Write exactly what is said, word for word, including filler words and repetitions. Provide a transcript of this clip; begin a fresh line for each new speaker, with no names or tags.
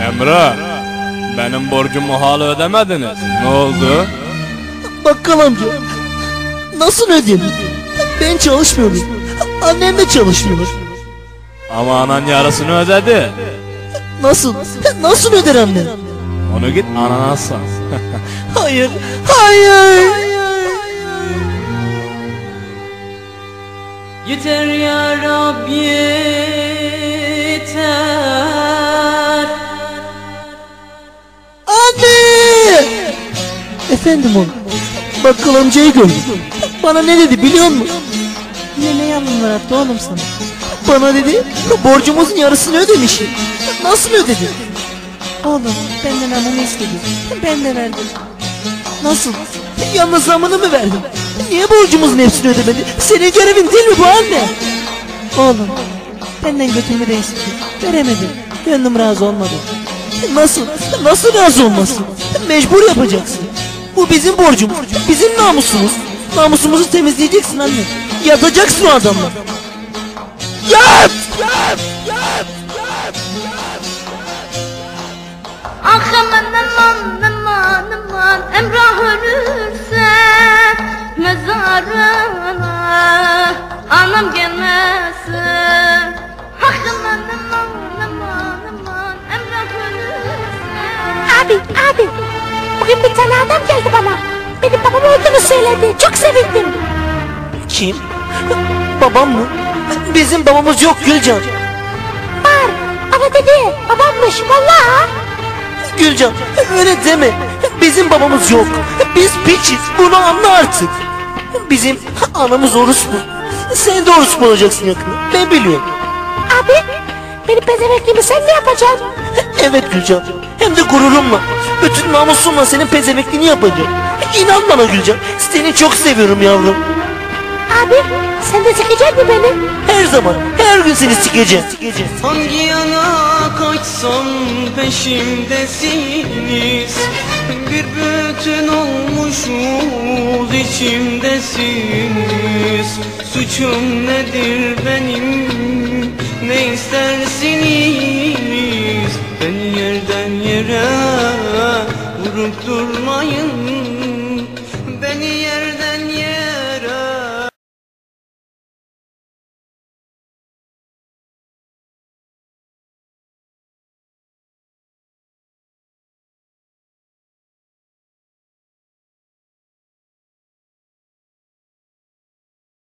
Emre, benim borcumu hala ödemediniz. Ne oldu?
Bakkal amca, nasıl ödeyeyim? Ben çalışmıyorum. Annem de çalışmıyor.
Ama anan yarısını ödedi.
Nasıl? Nasıl öder annem?
Onu git anana sor.
Hayır, hayır.
Yeter ya Rab yeter.
Anne! Efendim oğlum, bakkal amcayı gördüm. Bana ne dedi biliyor musun?
Yine ne yalanlar attı oğlum sana?
Bana dedi, borcumuzun yarısını ödemişim. Nasıl ödedi?
Oğlum benden amını istedi. Ben de verdim.
Nasıl? Yalnız zamını mı verdin? Niye borcumuzun hepsini ödemedi? Senin görevin değil mi bu anne?
Oğlum benden götümü de istedi. Veremedim. Gönlüm razı olmadı.
Nasıl? Nasıl razı olmasın? Mecbur yapacaksın. Bu bizim borcumuz, bizim namusumuz. Namusumuzu temizleyeceksin anne. Yatacaksın o adamla. Yat! Yat! Yat!
Ah aman aman aman aman, Emrah ölürse mezarına anam gelmesin. Ah aman aman aman aman, Emrah ölürse.
Abi abi bugün bir tane adam geldi bana. Benim babam olduğunu söyledi. Çok sevindim.
Kim? Babam mı? Bizim babamız yok Gülcan.
Var ama dedi babammış vallahi.
Gülcan öyle deme. Bizim babamız yok. Biz piçiz. Bunu anla artık. Bizim anamız orospu. Sen de orospu olacaksın yakında. Ben biliyorum.
Abi benim pezevekliğimi sen ne yapacaksın?
Evet Gülcan. Hem de gururumla. Bütün namusumla senin pezevekliğini yapacağım. İnan bana Gülcan. Seni çok seviyorum yavrum.
Abi sen de sikecek mi beni?
Her zaman, her gün seni sikeceğim. sikeceğim.
Hangi yana kaçsam peşimdesiniz. Bir bütün olmuşuz içimdesiniz. Suçum nedir benim, ne istersiniz? Beni yerden yere vurup durmayın.